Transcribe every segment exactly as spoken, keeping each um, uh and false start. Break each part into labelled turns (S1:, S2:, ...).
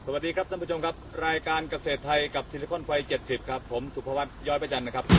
S1: สวัสดีครับท่านผู้ชมครับรายการเกษตรไทยกับซิลิคอนไฟเจ็ดสิบครับผมสุภวัฒน์ย้อยประจันนะครับ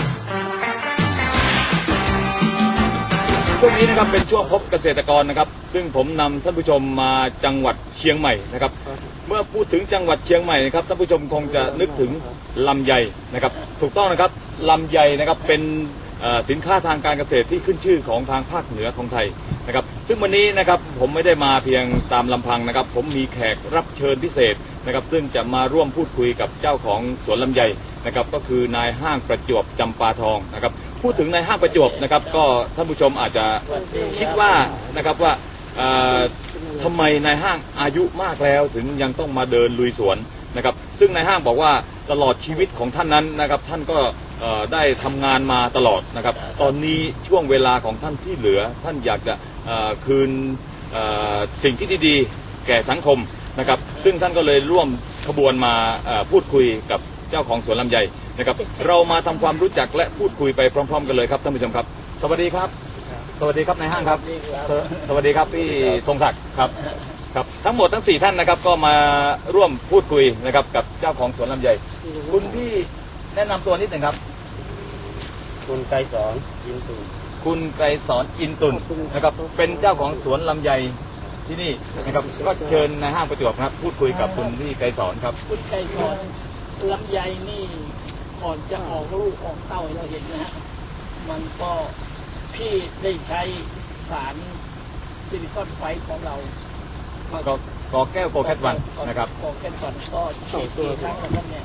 S1: ช่วงนี้นะครับเป็นช่วงพบเกษตรกรนะครับซึ่งผมนำท่านผู้ชมมาจังหวัดเชียงใหม่นะครับเมื่อพูดถึงจังหวัดเชียงใหม่นะครับท่านผู้ชมคงจะนึกถึงลำไยนะครับถูกต้องนะครับลำไยนะครับเป็นสินค้าทางการเกษตรที่ขึ้นชื่อของทางภาคเหนือของไทยนะครับซึ่งวันนี้นะครับผมไม่ได้มาเพียงตามลำพังนะครับผมมีแขกรับเชิญพิเศษนะครับซึ่งจะมาร่วมพูดคุยกับเจ้าของสวนลำไยนะครับก็คือนายห้างประจวบจำปาทองนะครับพูดถึงนายห้างประจวบนะครับก็ท่านผู้ชมอาจจะคิดว่านะครับว่าทำไมนายห้างอายุมากแล้วถึงยังต้องมาเดินลุยสวนนะครับซึ่งนายห้างบอกว่าตลอดชีวิตของท่านนั้นนะครับท่านก็ได้ทำงานมาตลอดนะครับตอนนี้ช่วงเวลาของท่านที่เหลือท่านอยากจะคืนสิ่งที่ดีๆแก่สังคมนะครับซึ่งท่านก็เลยร่วมขบวนมาพูดคุยกับเจ้าของสวนลำไยนะครับเรามาทำความรู้จักและพูดคุยไปพร้อมๆกันเลยครับท่านผู้ชมครับสวัสดีครับสวัสดีครับนายห้างครับสวัสดีครับพี่ทรงศักดิ์ครับครับทั้งหมดทั้งสี่ท่านนะครับก็มาร่วมพูดคุยนะครับกับเจ้าของสวนลำไยคุณพี่แนะนำตัวนิดหนึ่งครับ
S2: คุณไกรสอนอินตุน
S1: คุณไกรสอนอินตุนนะครับเป็นเจ้าของสวนลำไยที่นี่นะครับก็เชิญนายห้างประจวบครับพูดคุยกับคุณพี่ไกรสอนครับ
S3: คุณไกรสอนลำไยนี่ก่อนจะออกลูกออกเต้าเราเห็นนะฮะมันก็พี่ได้ใช้สารซิลิคอนไฟของเรา
S1: ก็กอแก้วโกแคทวันนะครับ
S3: กอแก้ววันก็ฉีดกี่ครั้งแล้วเนี่ย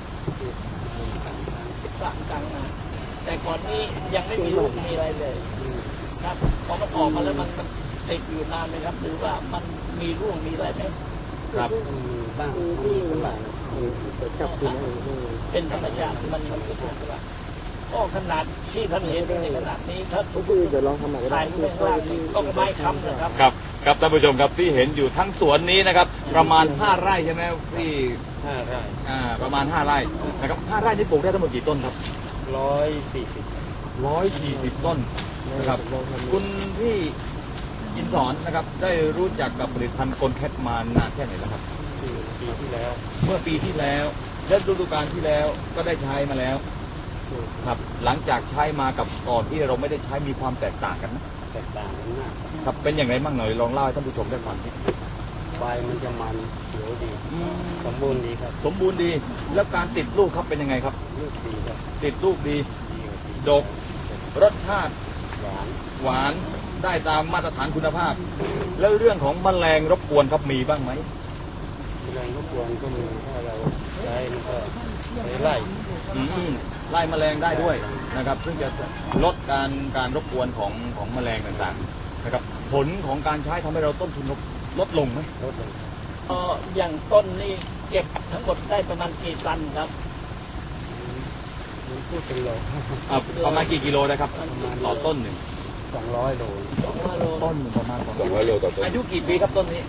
S3: สามครั้งนะแต่ก่อนนี้ยังไม่มีลูกมีอะไรเลยครับพอมันออกมาแล้วมันติดอยู่นานไหมครับหรือว่ามันมีร่วงมีอะไรไหม
S1: ครับ
S2: บ้างที่สมัย
S3: เป็นธรรมชาติมันมันก็ถูกว่าก็ขนาดที่ท่านเห็นในขนาดนี้ถ้าทุกคนจะลองทำใหม่ได้ก็ไม้ค้ำนะครับ
S1: ครับครับท่านผู้ชมครับที่เห็นอยู่ทั้งสวนนี้นะครับประมาณห้าไร่ใช่ไหมพี่
S2: ห้าไร่
S1: อ่าประมาณห้าไร่นะครับห้าไร่ที่ปลูกได้ทั้งหมดกี่ต้นครับ
S2: ร้อยสี่สิบ
S1: ร้อยสี่สิบต้นนะครับคุณพี่อินสอนนะครับได้รู้จักกับผลิตภัณฑ์โกลแคทมานานแค่ไหนแล้วครับ
S2: ปีที่แล้ว
S1: เมื่อปีที่แล้วและฤดูกาลที่แล้วก็ได้ใช้มาแล้วครับหลังจากใช้มากับก่อนที่เราไม่ได้ใช้มีความแตกต่างกันนะ
S2: แตกต่างกันมาก
S1: ครับเป็นอย่างไรบ้างหน่อยลองเล่าให้ท่านผู้ชมได้ฟังนิด
S2: ใบมันจะมันเขียวดีสมบูรณ์ดีครับ
S1: สมบูรณ์ดีแล้วการติดลูกครับเป็นยังไงครับ
S2: ลูกดีครับ
S1: ติดลูกดีดกรสชาติ
S2: หวาน
S1: หวานได้ตามมาตรฐานคุณภาพแล้วเรื่องของแมลงรบกวนครับมีบ้างไหม
S2: แมลงรบกวนก็มีถ้าเราใช้มันก็ไล่
S1: ไล่แมลงได้ด้วยนะครับซึ่งจะลดการการรบกวนของของแมลงต่างๆนะครับผลของการใช้ทำให้เราต้นทุนลดลงไหม
S2: ลดลง
S3: เอออย่างต้นนี่เก็บทั้งหมดได้ประมาณกี่ตันครับ
S2: พูดเป็นโล
S1: ประมาณกี่กิโลนะครับต่อต้นหนึ่ง
S2: สองร้อยโล
S3: สองร้อยโล
S1: ต้นประมาณ
S2: สองร้อยโลต่อต้น
S1: อายุกี่ปีครับต้นนี้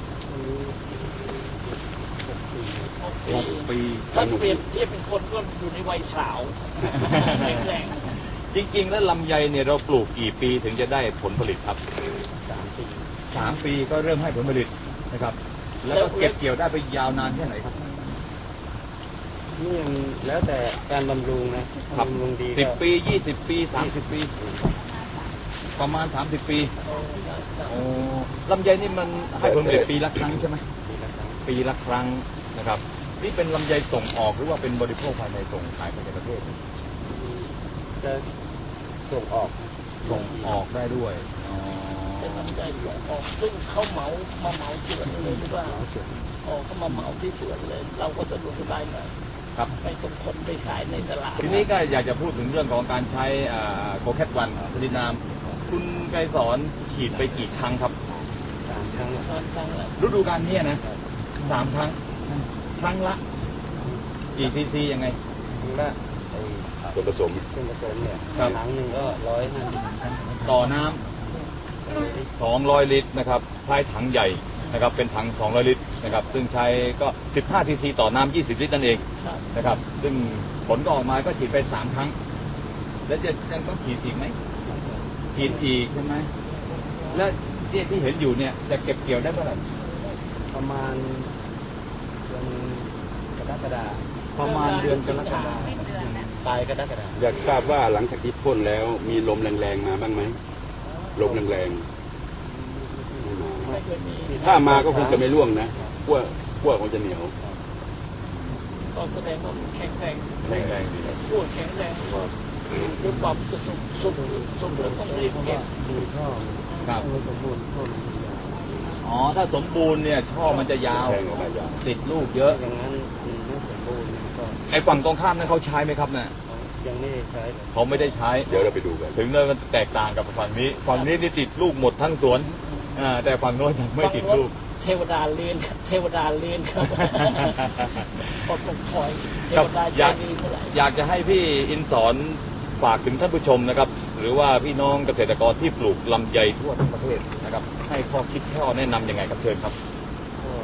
S1: หกปี
S3: ถ้าเปรียบเทียบเป็นคนก็อยู่ในวัยสาวแข็งแรง
S1: จริงๆแล้วลำไยเนี่ยเราปลูกกี่ปีถึงจะได้ผลผลิตครับ
S2: สามปี
S1: สามปีก็เริ่มให้ผลผลิตนะครับแล้วก็เก็บเกี่ยวได้ไปยาวนานแค่ไหนครับ
S2: นี่ยังแล้วแต่การบำรุงนะ
S1: บำรุงดีสิบปียี่สิบปีสามสิบปีประมาณสามสิบปีโอ้ลำไยนี่มันให้ผลผลิตปีละครั้งใช่ไหมปีละครั้งนะครับนี่เป็นลำไยส่งออกหรือว่าเป็นบริโภคภายในส่งขายไปในประเทศ
S2: จะส่งออก
S1: ส่งออกได้ด้วย
S3: เป็นลำไยส่งออกซึ่งเขาเหมามาเหมาสวนเลยหรือว่าออกเขามาเหมาที่สวนเลยเราก็สะดวกสบายหน่อย
S1: ครับ
S3: ไม่ต้องคนไปขายในตลาด
S1: ทีนี้ก็อยากจะพูดถึงเรื่องของการใช้โกแคทวันผลิตน้ำคุณไกรสอนฉีดไปกี่ครั้งครับ
S2: สามครั้ง
S3: สามครั้งแล้ว
S1: ฤดูกาลนี้นะสามครั้งครั้งละกี่ซีซียังไง
S2: ครั้งละ
S1: ส่วนผสม
S2: ส่วนผสมเนี่ยครั้งหนึ่งก็ร้อยห้าสิบ
S1: ต่อน้ำสองร้อยลิตรนะครับใช้ถังใหญ่นะครับเป็นถังสองร้อยลิตรนะครับซึ่งใช้ก็สิบห้าซีซีต่อน้ำยี่สิบลิตรนั่นเองนะครับซึ่งผลก็ออกมาก็ฉีดไปสามครั้งแล้วจะยังต้องฉีดอีกไหมฉีดอีกใช่ไหมแล้วที่ที่เห็นอยู่เนี่ยจะเก็บเกี่ยวได้เมื่อไหร่
S2: ประมาณเดือนกฎาคม
S1: ประมาณเดือนกรกฎาคม
S2: ปลายกรกฎาคม
S4: อยากทราบว่าหลังจากที่พ่นแล้วมีลมแรงๆมาบ้างไหมลมแรงๆไม่มา
S3: ไม่เคยมี
S4: ถ้ามาก็คงจะไม่ร่วงนะขั้วขั้วคงจะเหนียว
S3: ก็แสดงว่าแข็งแรง
S1: แรงแรงดีครับ
S3: พูดแข็งแรงก็ด้วยความสุขสุขสุขเหลือต้องรีบเก็บ
S2: ดูท่อ
S1: ครับ
S2: ต้องสมบูรณ์ท่อมันยาว
S1: อ๋อถ้าสมบูรณ์เนี่ยช่อมันจะยาว
S4: แทงออกมายาว
S1: ติดลูกเยอะ
S2: อย่างนั้นมันไม่สมบูรณ์ก็
S1: ไอ้ฝั่งตรงข้ามนั้นเขาใช้ไหมครับเนี่ย
S2: ยังไม่ได้ใช้เลย
S1: เขาไม่ได้ใช้
S4: เดี๋ยวเราไปดูกัน
S1: ถึงเลยมันแตกต่างกับฝั่งนี้ฝั่งนี้นี่ติดลูกหมดทั้งสวนอ่าแต่ฝั่งโน้นยังไม่ติดลูก
S3: เทวดาเลียนครับเทวดาเลียนครับก็ต้องคอยเท
S1: ครับ
S3: วดา
S1: อ
S3: ใจ
S1: ยาก
S3: ดีเท่าไหร่
S1: อยากจะให้พี่อินสอนฝากถึงท่านผู้ชมนะครับ หรือว่าพี่น้องเกษตรกรที่ปลูกลำไยทั่วทั้งประเทศนะครับ ให้ข้อคิดข้อแนะนำยังไงครับเชิญครับ
S2: ก็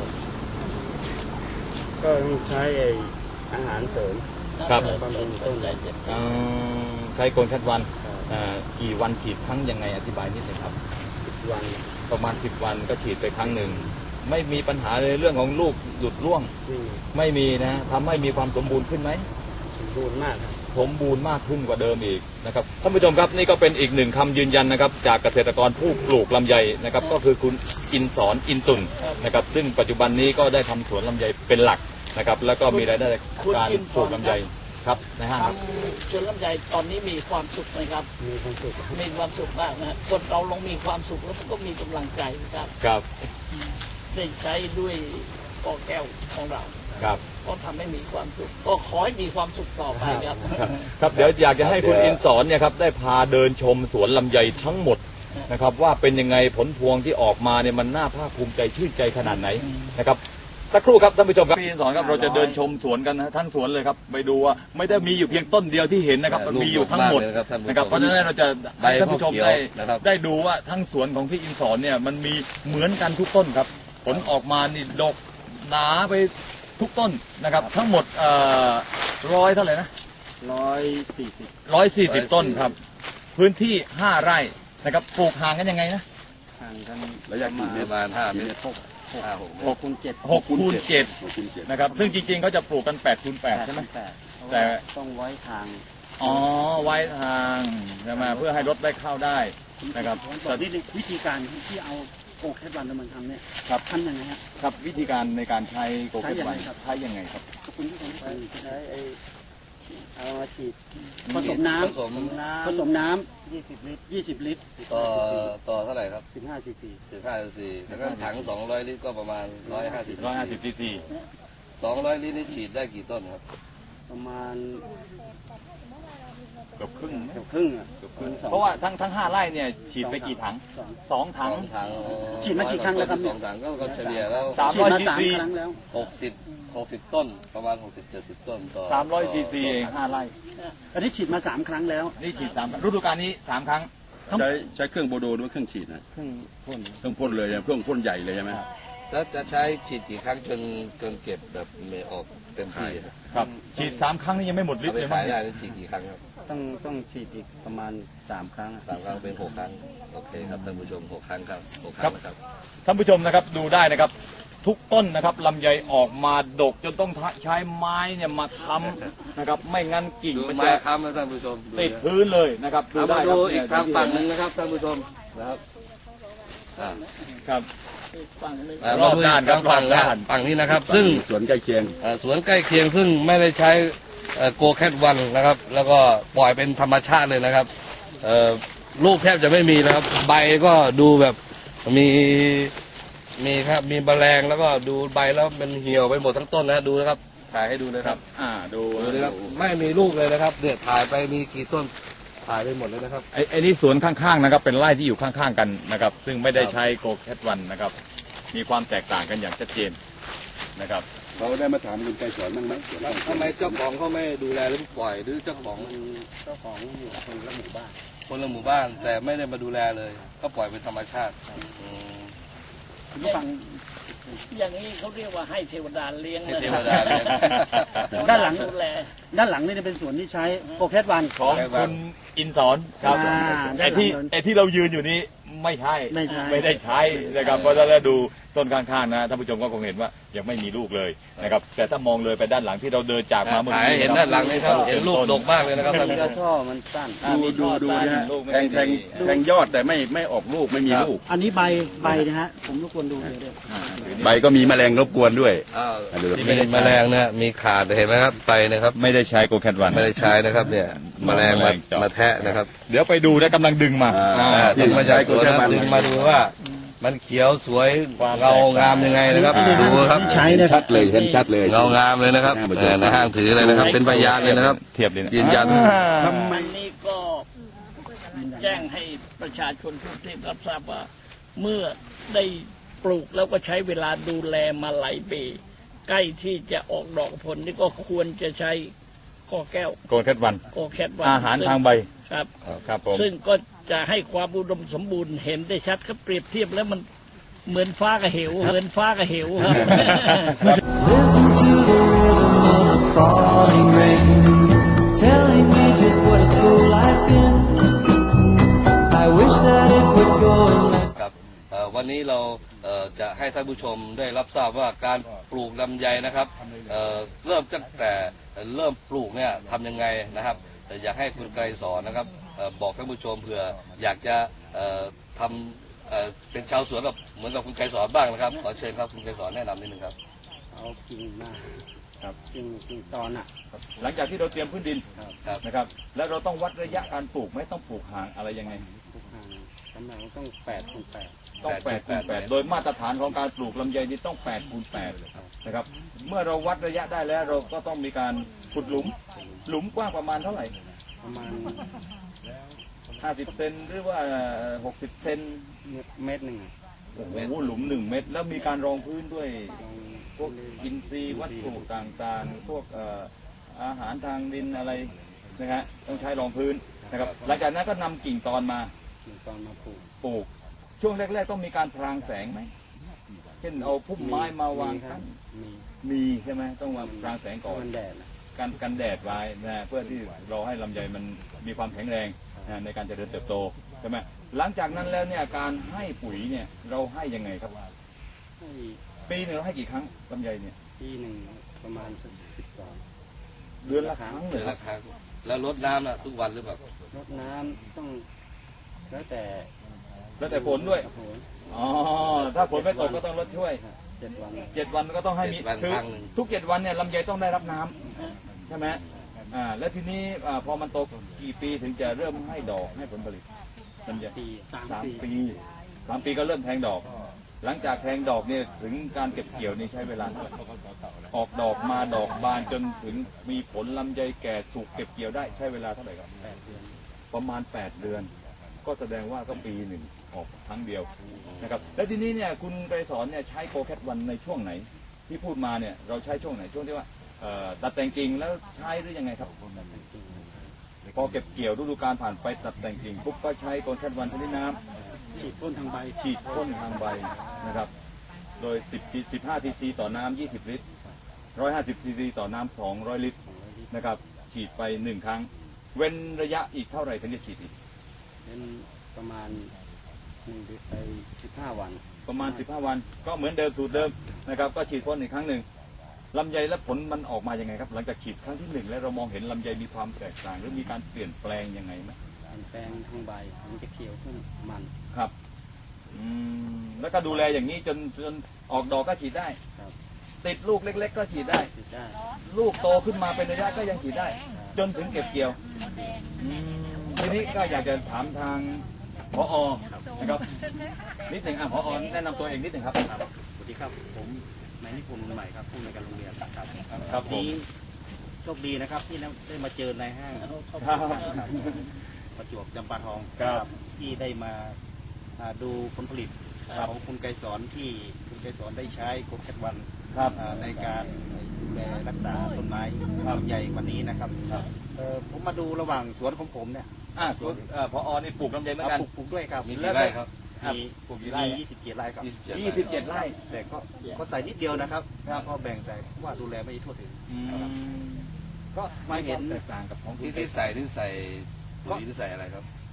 S2: ก็ต้องใช้ไอ้อาหารเสริม
S1: ครับ
S2: บำรุงต้น
S3: ใจเจ็บ
S1: เอ่อใช้โกนชัดวันอ่ากี่วันฉีดครั้งยังไงอธิบายนิดหนึงครับ
S2: วัน
S1: ประมาณสิบวันก็ฉีดไปครั้งหนึ่งไม่มีปัญหาเลยเรื่องของลูกหลุดร่วง
S2: ที่
S1: ไม่มีนะทำให้มีความสมบูรณ์ขึ้นไหม
S2: สมบูรณ์มากครับ
S1: สมบูรณ์มากขึ้นกว่าเดิมอีกนะครับท่านผู้ชมครับนี่ก็เป็นอีกหนึ่งคำยืนยันนะครับจากเกษตรกรผู้ปลูกลำไยนะครับก็คือคุณอินสอนอินตุนนะครับซึ่งปัจจุบันนี้ก็ได้ทำสวนลำไยเป็นหลักนะครับแล้วก็มีรายได้จากการปลูกลำไยครับในห้างครับ
S3: ทำสวนลำไยตอนนี้มีความสุขไหมครับ
S2: มีความสุข
S3: มีความสุขมากนะคนเราลงมีความสุขแล้วก็มีกำลังใจครับ
S1: ครับ
S3: ได้ใช้ด้วยกอแก้วของเรา
S1: ครับ
S3: ก็ทำให้มีความสุขก็ขอให้มีความสุขต่อไปครับ
S1: ครับครับเดี๋ยวอยากจะให้คุณอินสอนเนี่ยครับได้พาเดินชมสวนลำไยทั้งหมดนะครับว่าเป็นยังไงผลพวงที่ออกมาเนี่ยมันน่าภาคภูมิใจชื่นใจขนาดไหนนะครับสักครู่ครับท่านผู้ชมครับพี่อินสอนครับเราจะเดินชมสวนกันนะทั้งสวนเลยครับไปดูว่าไม่ได้มีอยู่เพียงต้นเดียวที่เห็นนะครับมันมีอยู่ทั้งหมดนะครับเพราะฉะนั้นเราจะให้ท่านผู้ชมได้ได้ดูว่าทั้งสวนของพี่อินสอนเนี่ยมันมีเหมือนกันทุกต้นครับผลออกมานี่ดกหนาไปทุกต้นนะครับทั้งหมดเอ่อร้อยเท่าไหร่นะ
S2: ร้อยสี่สิบ
S1: ร้อยสี่สิบต้นครับ พื้นที่ห้าไร่นะครับปลูกห่างกันยังไงนะ
S2: ห่างกัน
S4: ระยะกี่เมตร
S5: ประมาณห้าเมตร
S2: หก
S5: ห้าหก
S2: หกคูณเจ็ด
S1: หกคูณเจ็ด
S4: หกคูณเจ็ด
S1: นะครับซึ่งจริงๆเขาจะปลูกกันแปดคูณแปดใช่ไหม
S2: แปด
S1: แต่
S2: ต้องไว้ทาง
S1: อ๋อไว้ทางใช่ไหมเพื่อให้รถได้เข้าได้นะครับ
S6: ต่อที่วิธีการที่เอาโกแคทวันมาทำเนี่ย
S1: ครับ
S6: ทำยังไงฮะ
S1: ครับวิธีการในการใช้โกเก็ตไว
S6: ใช้ยังไงครับ
S1: ใช้ยังไงครับ
S6: ขอบคุณที่ผม
S2: ใช้ไอ้เอามาฉีด
S6: ผสมน้
S5: ผสม
S2: น้
S6: ำผสมน้
S2: ำยี่สิบลิตร
S6: ำยี่สิบลิตร
S5: ต่อต่อเท่าไหร่ครับ
S2: สิบห้าซีซี
S5: สิบห้าสี่แล้วก็ถังสองร้อยลิตรก็ประมาณร้อยห้าสิบ
S1: ร้อยห้าสิบซีซี
S5: สองร้อยลิตรนี่ฉีดได้กี่ต้นครับ
S2: ประมาณ
S1: เกือบครึ่ง
S2: เกือบครึ่งอ่ะ
S1: เพราะว่าทั้งทั้งห้าไร่เนี่ยฉีดไปกี่ถัง
S2: สอง
S1: สองถัง
S5: สองถังอ๋อ
S6: ฉีดมากี่ครั้งแล้วครับ
S5: ส
S6: เนี่
S5: อย งถังก็ก็เฉลี่ยแล้ว
S1: สาม
S6: ฉีด
S1: ร้อย
S6: มา
S1: ซี
S6: สาม
S1: ซี
S6: ครั้งแล้ว
S5: หกสิบหกสิบต้นประมาณหกสิบเจ็ดสิบต้นต่อ
S1: สามร้อยซีซี
S5: ต่
S1: เอง
S5: ถัง
S1: ห้าไร่
S6: อันนี้ฉีดมาสามครั้งแล้ว
S1: นี่ฉีดสามฤดูกาลนี้สามครั้ง
S4: ใช้ใช้เครื่องโบโดด้วยเครื่องฉีดนะ
S2: ครึ่งพ่น
S4: เครื่องพ่นเลยนะเครื่องพ่นใหญ่เลยใช่ไหม
S5: แล้วจะใช้ฉีดกี่ครั้งจนจนเก็บแบบเมออกเต็มที่ครับ
S1: ครับฉีดสามครั้งนี่ยังไม่หมดฤท
S5: เอา
S1: ธิ์
S5: ไป
S1: เลยมั้
S5: ขาง ยได้นี่ฉีดกี่ครั้งครับ
S2: ต้องต้องฉีดอีกประมาณสามครั้งอะ
S5: สามครั้งเป็นหกครั้งโอเคครับท่านผู้ชมหกครั้งครับหกครั้งนะครับ
S1: ท่านผู้ชมนะครับดูได้นะครับ ทุกต้นนะครับลำไยออกมาดกจนต้องใช้ไม้เนี่ยมาค้ำนะครับไม่งั้นกิ่ง
S5: ดู
S1: มัน
S5: ไม้
S1: จะ
S5: ค้ำนะท่านผู้ชม
S1: ติดพื้นเลยนะครับ
S5: เอา
S1: ได้
S5: มา
S1: ค
S5: ดู
S1: รับ
S5: อีก
S1: เย
S5: ทางฝั่งหนึ่งนะครับท่านผู้ชมนะครับอ่า
S1: ครับ
S3: อีกฝั่งหนึ่ง
S5: อ่าร มา
S1: อบ
S5: ดูอี
S1: ด้าน
S5: ก
S1: ครับ
S5: ทางฝั่ง
S1: รอบ
S5: นะ
S1: ด้าน
S5: ฝั่งนี้นะครับ ซึ่ง
S4: สวนใกล้เคียง
S5: เอ่อสวนใกล้เคียงซึ่งไม่ได้ใช้โกแคทวันนะครับ แล้วก็ปล่อยเป็นธรรมชาติเลยนะครับเอ่อลูกแทบจะไม่มีนะครับ ใบก็ดูแบบมีมีครับมีแมลงแล้วก็ดูใบแล้วมันเหี่ยวไปหมดทั้งต้นนะดูนะครับถ่ายให้ดูเลยครับ
S1: อ่าดู
S5: ดูเลยครับไม่มีลูกเลยนะครับเนี่ยถ่ายไปมีกี่ต้นถ่ายไปหมดเลยนะครับ
S1: ไอ้ไอ้นี่สวนข้างๆนะครับเป็นไร่ที่อยู่ข้างๆกันนะครับซึ่งไม่ได้ใช้โกแคทวันนะครับมีความแตกต่างกันอย่างชัดเจนนะครับ
S4: เราได้มาถามคุณไกรสอนบ้างไหมสวน
S5: ทำไมเจ้าของเขาไม่ดูแลหรือปล่อยหรือเจ้าของ
S2: มันเจ้าของอยู่คนละหมู่บ้าน
S5: คนละหมู่บ้าน แต่ไม่ได้มาดูแลเลย ก็ปล่อยเป็นธรรมชาติอืม
S6: คุณผู้ฟัง
S3: อย่างนี้เขาเรียกว่าให้เทวดาเลี้ยง
S5: ให้
S3: นะ
S5: เทวดาเลี้ยง
S6: ด้านหลัง
S3: ดูแล
S6: ด้านหลังนี่เป็นสวนที่ใช้โกแคทวัน
S1: ของคุณอินสอนครับ
S6: อ่า
S1: ไอ้ที่ไอ้ที่เรายืนอยู่นี้ไม่ใช่
S6: ไม่ใช่
S1: ไม่ได้ใช้นะครับเพราะฉะนั้นดูต้นข้างๆนะท่านผู้ชมก็คงเห็นว่ายังไม่มีลูกเลยนะครับแต่ถ้ามองเลยไปด้านหลังที่เราเดินจากมาเมื่อ
S5: ถ่าย
S1: กี้
S5: ให้เห็นด้านหลังนี่ครับเห็นลูกดกมากเลยนะครับท่านผู้ช
S2: กระ
S5: ม
S2: ช่อมันสั้น
S1: อ่า
S4: ดู
S1: มี
S4: ดู
S1: ช่อ
S4: ดู
S1: สั้น
S4: นะฮะ
S1: ลูกไม่
S4: แทง
S1: ได้
S4: แทง
S1: ดี
S4: แทงยอดแต่ไม่ไม่ออกลูกไม่มีลูก
S6: อันนี้ใบใบนะฮะ ผมรบกวนดูเลยด้วย
S4: ใบก็มีแมลงรบกวนด้วย
S5: อ้าว
S4: ดู
S5: มีแมลงเนี่ยมีขาดเห็นไหมครับไปนะครับ
S1: ไม่ได้ใช้โกแคทวัน
S5: ไม่ได้ใช้นะครับเนี่ยแมลงมามาแทะนะครับ
S1: เดี๋ยวไปดูนะกำลังดึงมา
S4: อ่า
S1: อ่า
S5: อ่าดึงมาจากสวนนะดึงมาดูว่า มันเขียวสวยเงางามยังไงนะครับดูครับ
S6: ใช้นะค
S4: ชั
S6: รับ
S4: ดเลยเห็นชัดเลย
S5: เงางามเลยนะครับเออในห้างถือเลยนะครับ เป็นพยานเลยนะครับ
S1: เทียบเลยนะ
S5: ยืนยัน
S1: อ่า
S3: อันนี้ก็แจ้งให้ประชาชนทุกที่รับทราบว่า เมื่อได้ปลูกแล้วก็ใช้เวลาดูแลมาหลายปีใกล้ที่จะออกดอกผลนี่ก็ควรจะใช้กอแก้ว
S1: โกแคทวัน
S3: กอแคทวัน
S1: อาหารทางใบ
S3: ครับ
S1: ครับผม
S3: ซึ่งก็จะให้ความอุดมสมบูรณ์เห็นได้ชัดครับเปรียบเทียบแล้วมันเหมือนฟ้ากับเหวเหมือนฟ้ากับเหวครับ
S7: Listen to the rhythm of the falling rain, telling me just what a fool I've been. I wish that it would go and let
S5: ครับเอ่อวันนี้เราเอ่อจะให้ท่านผู้ชมได้รับทราบว่าการปลูกลำไยนะครับเอ่อเริ่มตั้งแต่เริ่มปลูกเนี่ยทำยังไงนะครับแต่อยากให้คุณไกรสอนนะครับเอ่อบอกท่านผู้ชมเผื่ออยากจะเอ่อทำเอ่อเป็นชาวสวนแบบเหมือนกับคุณไกรสอนบ้างนะครับขอเชิญครับคุณไกรสอนแนะนำนิดนึงครับ
S2: เอากิ่งมาครับกิ่งกิ่งตอนอ่ะ
S1: หลังจากที่เราเตรียมพื้นดิน
S5: ครับ
S1: นะครับ แล้วเราต้องวัดระยะการปลูกไหมต้องปลูกห่างอะไรยังไง
S2: ทุกห่างกำลังต้องแปดคูณแปด
S1: ต้องแปดคูณแปดโดยมาตรฐานของการปลูกลำไยนี่ต้องแปดคูณแปดนะครับ เมื่อเราวัดระยะได้แล้วเราก็ต้องมีการขุดหลุม หลุมกว้างประมาณเท่าไหร่
S2: ประมาณ
S1: ห้าสิบเซนหรือว่าหกสิบเซน
S2: เมตรหนึ่งอะ
S1: โอ้โหหลุมหนึ่งเมตร แล้วมีการรองพื้นด้วย
S2: ลอง
S1: พวกอินทรีย์วัตถุต่างๆ พวกเอ่ออาหารทางดินอะไรนะฮะต้องใช้รองพื้นนะครับ หลังจากนั้นก็นำกิ่งตอนมา
S2: กิ่งตอนมาปลูก
S1: ปลูก ช่วงแรก ๆ ต้องมีการพรางแสงไหมเช่นเอาพุ่มไม้มาวาง
S2: ครั
S1: กั้
S2: บ
S1: น
S2: มี
S1: มีใช่ไหมต้องมาพรางแสงก่อน
S2: มันแดดนะ
S1: กันกันแดดไว้นะฮะเพื่อที่เราให้ลำไยมันมีความแข็งแรงนะในการเจริญเติบโตใช่ไหมหลังจากนั้นแล้วเนี่ยการให้ปุ๋ยเนี่ยเราให้ยังไงครับ
S2: ให้
S1: ปีหนึงเราให้กี่ครั้งลำไยเนี่ย
S2: ปีหนึ่งประมาณสักสิบสอง
S1: เดือนละครั้งเล
S5: เดือย น
S1: ครั
S5: ละ
S1: บ
S5: ครั้งแล้วรดน้ำนะทุกวันหรือเปล่าร
S2: ดน้ำต้องแล้วแต่
S1: แล้วแต่ฝนด้วย
S2: โอ้โห
S1: อ๋อถ้าฝนไม่ตกก็ต้องลดช่วย
S2: ครับเจ็ดวัน
S1: เจ็ดวันก็ต้องให้มี
S5: เจ็ดวัน
S1: คือ
S5: ครั้งหนึ่ง
S1: ทุกเจ็ดวันเนี่ยลำไยต้องได้รับน้ำใช่ไหมอ่าแล้วทีนี้อ่าพอมันโตกี่ปีถึงจะเริ่มให้ดอกให้ผลผลิตลำไย
S2: ปี
S6: สาม
S1: สาม
S6: ปี
S1: ปีสามปีก็เริ่มแทงดอก หลังจากแทงดอกเนี่ยถึงการเก็บเกี่ยวนี่ใช้เวลาเท่าไหร่ออกดอกมาดอกบานจนถึงมีผลลำไยแก่สุกเก็บเกี่ยวได้ใช้เวลาเท่าไหร่ครับ
S2: แปดเดือน
S1: ประมาณแปดเดือน ก็แสดงว่าก็ปีหนึ่งออกครั้งเดียวนะครับแล้วทีนี้เนี่ยคุณไกรสอนเนี่ยใช้โกแคทวันในช่วงไหน ที่พูดมาเนี่ยเราใช้ช่วงไหนช่วงที่ว่าเอ่อตัดแต่งกิ่งแล้วใช้หรือยังไงครับ พอเก็บเกี่ยวฤดูกาลผ่านไปตัดแต่งกิ่งปุ๊บก็ใช้โกแคทวันชนิดน้ำ
S6: ฉีดพ่นทางใบ
S1: ฉีดพ่นทางใบนะครับ โดย10 15ทีซีต่อน้ำ20 ลิตร หนึ่งร้อยห้าสิบซีซีต่อน้ำ200 ลิตรนะครับ ฉีดไปหนึ่งครั้ง เว้นระยะอีกเท่าไหร่ถึงจะฉีดอีก
S2: เป็นประมาณหนึ่งเดือนไปสิบห้าวัน
S1: ประมาณ สิบห้า วัน ก็เหมือนเดิมสูตรเดิมนะครับ ก็ฉีดพ่นอีกครั้งหนึ่งลำไยและผลมันออกมายังไงครับ หลังจากฉีดครั้งที่หนึ่งแล้วเรามองเห็นลำไยมีความแตกต่างหรือมีการเปลี่ยนแปลงยังไงไหม
S2: เปลี่ยนแปลงทางใบมันจะเขียวขึ้นมัน
S1: ครับอืมแล้วก็ดูแลอย่างนี้จนจนออกดอกก็ฉีดได้
S2: ครับ
S1: ติดลูกเล็ก ๆ ก็ฉีดได้
S2: ติดได้
S1: ลูกโตขึ้นมาเป็นระยะก็ยังฉีดได้ จนถึงเก็บเกี่ยวอืมทีนี้ก็อยากจะถามทางผอนะครับนิดหนึ่งอ่ะผอแนะนำตัวเองนิดหนึ่งครับ
S6: สวัสดีครับ ผมนายนิพนธ์ใหม่ครับผู้ในวยการโรงเรียนครับ
S1: ครับผม
S6: นี้โชคดีนะครับที่ได้มาเจอในห้าง
S1: ครับ
S6: ประจวบจำปาทอง
S1: ครับ
S6: ที่ได้มาอ่าดูผลผลิต
S1: ครับ
S6: ของคุณไกรสอนที่คุณไกรสอนได้ใช้โกแคทวัน
S1: ครับ
S6: อ่าในการดูแลรักษาต้นไม้
S1: ครับ
S6: ลำไยวันนี้นะครับ
S1: ครับ
S6: เอ่อผมมาดูระหว่างสวนของผมเนี่ย
S1: อ่ะคุณเอ่อผอนี่ปลูกลำไยเหมือน
S6: อ่า
S1: กัน
S6: ปลูกปลูกด้วยครับ
S5: มีกี่ไร่ครับ
S1: ครับ
S6: มี
S1: ปลูกกี่ไร่
S6: มียี่สิบเจ็ดไร่ครับ
S5: ยี่สิบเจ็ด
S1: ยี่สิบเจ็ดไร่
S6: แต่ก็ก็ใส่นิดเดียวนะครับ
S1: ครับ
S6: ก็แบ่งใส่เพราะว่าดูแลไม่ทั่วถึง
S1: อืม
S6: ก็มาเห็น
S1: แตกต่างกับของคุณ
S5: ที่ที่ใส่ที่ใส่ปุ๋ยที่ใส่อะไรครับ
S6: ก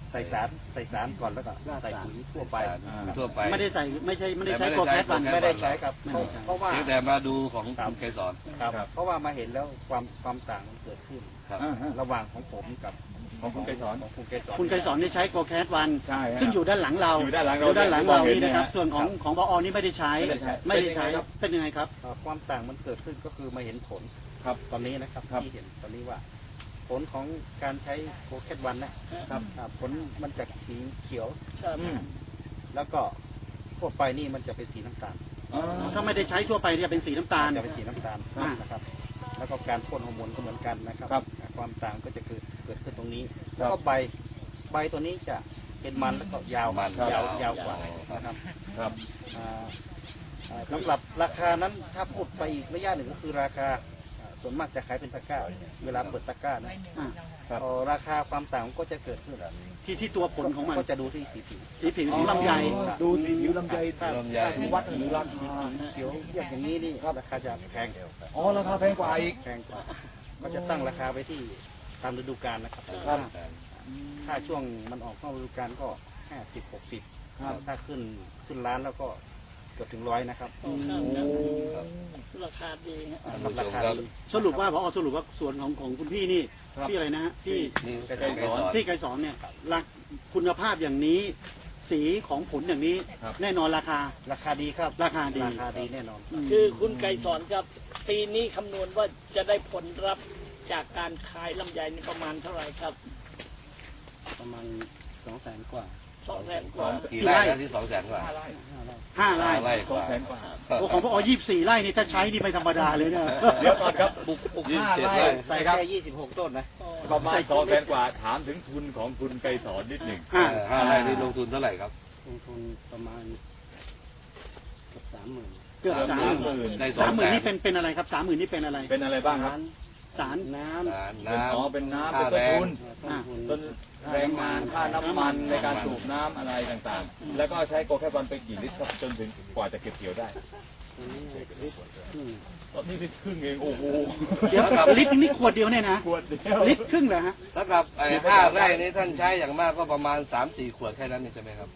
S2: ใส่สารใส่สารก่อนแล้วก็ใส่ปุ๋ยทั่วไป
S5: ทั่วไป
S6: ไม่ได้ใส่ไม่ใช่ไม่ได้
S5: แต่
S6: ใช้
S5: ไม่
S6: โก
S5: ได้
S6: แค
S5: ใช้
S6: ทวัน
S5: โกแคท
S2: ไม่ได้ใช้ครับ
S6: ไม่ได้ใช้
S2: เพราะว่า
S5: เพียงแต่มาดูของ
S2: ครับ
S5: คุณไกรสอน
S2: ครับเพราะว่ามาเห็นแล้วความความต่างมันเกิดขึ้น
S5: ครับ
S1: อ่าฮะ
S2: ระหว่างของผมกับ
S1: ของคุณไกรสอน
S2: ของคุณไกรสอน
S6: คุณไกรสอนได้ใช้โกแคทวัน
S1: ใช่ฮะ
S6: ซึ่งอยู่ด้านหลังเรา
S1: อยู่ด้านหลังเรา
S6: ด้านหลังเรา
S1: ที่มองเห็น
S6: นี่นะครับ
S1: เนี่ย
S6: ส่วนของของพอนี่ไม่ได้ใช้
S1: ไม่ได้ใช้
S6: ไม่ได้ใช้
S1: เป็นยังไงครับ
S6: เป็นยังไงครับ
S2: เอ่อความต่างมันเกิดขึ้นก็คือมาเห็นผล
S1: ครับ
S2: ตอนนี้นะครับ
S1: ครับ
S2: ที่เห็นตอนนี้ว่า ผลของการใช้โคแคทวันนะครับ อ่าผลมันจะสีเขียว
S3: ครับ
S1: อืม
S2: แล้วก็ทั่วไปนี่มันจะเป็นสีน้ำตาล
S1: อ๋อ
S6: ถ้าไม่ได้ใช้ทั่วไปจะเป็นสีน้ำตาล
S2: จะเป็นสีน้ำตาล
S6: อ่า
S2: นะครับ แล้วก็การพ่นฮอร์โมนก็เหมือนกันนะครับ
S1: ครับ
S2: ความต่างก็จะเกิดเกิดขึ้นตรงนี้
S1: ครับ
S2: แล้วก็ใบใบตัวนี้จะเป็นมันแล้วก็ยาว
S5: มัน
S2: ยาวย
S5: าว
S2: ยาวกว่านะครับ
S1: ครับ
S2: อ่าอ่าสำหรับราคานั้นถ้าพูดไปอีกระยะหนึ่งก็คือราคาอ่าส่วนมากจะขายเป็นตะกร้า เวลาเปิดตะกร้านะ
S6: อ่า
S1: ครับ
S2: เอ่อราคาความต่างก็จะเกิดขึ้น
S6: ที่ที่ตัวผลของมัน
S2: ก็จะดูที่สีผิว
S6: สีผิวของลำไย
S1: ดูสีผิวลำไย
S2: ถ้า
S5: ลำไย
S2: ถ้าวัดหรือราคาเขียวเรียบอย่างนี้นี่ราคาจะแพง
S1: อ๋อราคาแพงกว่าอีก
S2: แพงกว่าก็จะตั้งราคาไปที่ตามฤดูกาลนะครับ
S1: ครับ
S2: ถ้าช่วงมันออกนอกฤดูกาลก็ห้าสิบหกสิบ
S1: ครับ
S2: ถ้าขึ้นขึ้นร้านแล้วก็เกือบถึงร้อยนะครับ
S3: โอ้ครับครับราคาดีฮะ
S5: ท่านผู้ชมครับ
S6: สรุปว่าพอสรุปว่าส่วนของของคุณพี่นี่
S1: ครับ
S6: พี่อะไรนะฮะพี่
S5: นี่
S2: ไกร
S5: ไกร
S2: สอน
S5: สอน
S6: พี่ไกรสอนเนี่ยรักคุณภาพอย่างนี้ สีของผลอย่างนี้
S1: ครับ
S6: แน่นอนราคา
S2: ราคาดีครับ
S6: ราคาดี
S2: ราคาดีแน่นอน
S3: คือคุณไก่สอนครับ ปีนี้คำนวณว่าจะได้ผลรับจากการขายลำไยนี่ประมาณเท่าไหร่ครับ
S2: ประมาณสองแสนกว่า
S3: สองแสนกว่า
S5: กี่ไร่นะที่สองแสนกว่า
S6: ห้าไร่
S5: ห้าไร่ก
S1: สอง
S5: ว่า
S1: แสนกว่า
S6: โอ้ของพ่อยี่สิบสี่ไร่นี่ถ้าใช้นี่ไม่ธรรมดาเลยเนี่ย
S1: เดี๋ยวก่อนครับปลูกปลูกห้าไร่
S2: ใส่
S1: นะครับ
S2: แค่ยี่สิบหกต้นนะ
S1: ประมาณสองแสนกว่าถามถึงทุนของคุณไกรสอนนิดหนึ่ง
S6: อ่า
S5: เออห้าไร่นี่ลงทุนเท่าไหร่ครับ
S2: ลงทุนประมาณเกือบสามหมื่น
S6: เกือบสามหมื่น
S1: หมื่น
S5: ได้สอ
S6: สาง มห
S5: แส
S6: มื่น
S5: น
S6: นี่เป็นเป็นอะไรครับสามหมื่นนี่เป็นอะไร
S1: เป็นอะไรบ้างครับ
S6: สาร
S2: น้
S5: น้ำ
S1: เป็นอ๋อเป็นน้ำ
S5: ค่า
S1: เป็นต้น
S5: แรง
S1: ทุน
S2: ำต้นทุน
S1: ต้นแรงงานค่าน้ำมันในการสูบน้ำอะไรต่างๆ แล้วก็ใช้โกแคทวันไปกี่ลิตรครับจนถึงกว่าจะเก็บเกี่ยวได้
S2: อืม
S1: ตอนนี้ลิตรครึ่งเองโอ้โห
S6: เดี๋ยวลิตรนี่ขวดเดียวเนี่ยนะ
S1: ขวดเดียว
S6: ลิตรครึ่งเหรอฮะ
S5: แล้วกับไอ้ห้าไร่นี้ท่านใช้อย่างมากก็ประมาณสามสี่ขวดแค่นั้นเองใช่ไหมครับ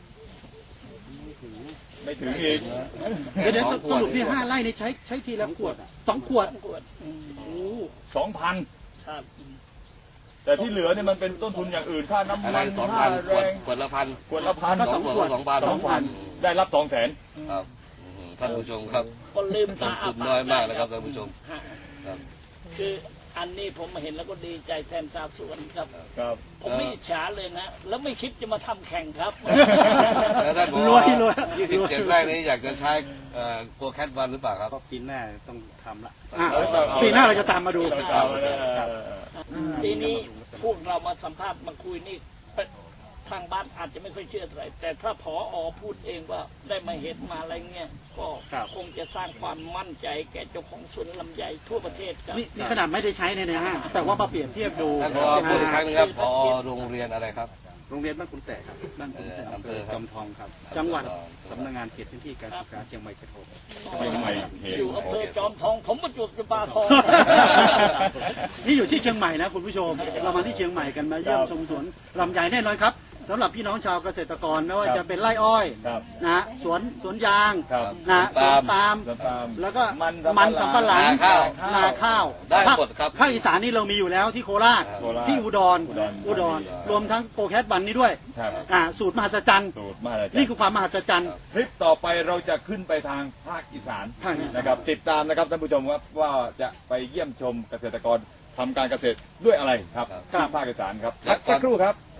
S1: ไม่ถึงอีก
S6: เดี๋ยวเดี๋ยว
S5: สองข
S6: ส
S5: วด
S6: รุปที่ห้าไร่นี่ใช้ใช้ทีละขวดสองขวด
S3: ขวดอืม
S6: โอ้
S1: สองพัน
S3: ครับ
S1: แต่ที่เหลือเนี่ยมันเป็นต้นทุนอย่างอื่นค่าน้ำ
S5: อะไร
S1: มัน
S5: สอง
S1: ค่า
S5: พันข
S1: แร
S5: วด
S1: ง
S5: ขวดละพัน
S1: ขวดละพัน
S6: ก็สองขวด
S5: สองพัน
S6: สองพัน
S1: ได้รับสองแสน
S5: ครับอืมท่านผู้ชมครับ
S3: ก็ลืม
S5: ต้
S3: ตาน
S5: ทุนน้อยมากนะครับท่านผู้ชม
S3: ฮะ
S5: ครับ
S3: คืออันนี้ผมมาเห็นแล้วก็ดีใจแทนชาวสวนครับ
S1: ครับ
S3: ผมไม่อิจฉาเลยนะ แล้วไม่คิดจะมาทำแข่งครับ
S5: แล้วท่านบอก
S6: รวยรวย
S5: ยี่สิบเจ็ดไร่นี้อยากจะใช้เอ่อโกแคทวันหรือเปล่าครับ
S2: ก็ปีหน้าต้องทำละ
S6: อ่ะปีหน้าเราจะตามมาดู
S1: เอาเลย
S3: ทีนี้พวกเรามาสัมภาษณ์มาคุยนี่ทางบ้านอาจจะไม่ค่อยเชื่อเท่าไหร่แต่ถ้าผออพูดเองว่าได้มาเห็นมาอะไรเงี้ยก็คงจะสร้างความมั่นใจแก่เจ้าของสวนลำไยทั่วประเทศครับ
S6: นี่นี่ขนาดไม่ได้ใช้ในนะฮะแต่ว่ามาเปรียบเทียบดู
S5: ท่านพอพูดอีกครั้งหนึงครับพอโรงเรียนอะไรครับ
S2: โรงเรียนบ้านคุณแต่ครับ
S6: บ้าน
S5: เอ
S6: ผม
S5: อ
S6: แต่
S5: อำเภอค
S2: จ
S5: รับ
S2: อมทองครับ
S6: จังหวัด
S2: สำนักงานเขตพื้นที่การศึกษาเชียงใหม่กระโถม
S1: เชียงใหม่เขต
S3: อยู่อำเภอจอมทอง ผมประจวบจุฬาทอง
S6: นี่อยู่ที่เชียงใหม่นะคุณผู้ชม เรามาที่เชียงใหม่กันมาเยี่ยมชมสวนลำไยแน่นอนครับสำหรับพี่น้องชาวเกษตรกรไม่ว่าจะเป็นไร่อ้อย
S1: ครับ
S6: นะสวนสวนยาง
S1: ครับ
S6: นะสวนปาล์ม
S1: สวนปาล์ม
S6: แล้วก็
S1: มัน
S6: มันสำปะหลัง
S5: นาข้าว
S6: นาข้าว
S5: ได้
S6: ภาค
S5: หมดครับ
S6: ภาคอีสานนี่เรามีอยู่แล้วที่โคราช
S1: โคราช
S6: ที่อุดร
S1: อุดร
S6: อุดรรวมทั้งโปรแคสบันนี้ด้วย
S1: ครับ
S6: อ่าสูตรมหัศจรรย์
S1: สูตรมาเลย
S6: นี่คือความมหัศจรรย์
S1: คลิปต่อไปเราจะขึ้นไปทางภาคอีสาน
S6: ภาคอีสาน
S1: นะครับ ติดตามนะครับท่านผู้ชมครับว่าจะไปเยี่ยมชมเกษตรกรทำการเกษตรด้วยอะไรครับ
S6: ครับ
S1: ที่ภาคอีสานครับพักสักครู่ครับ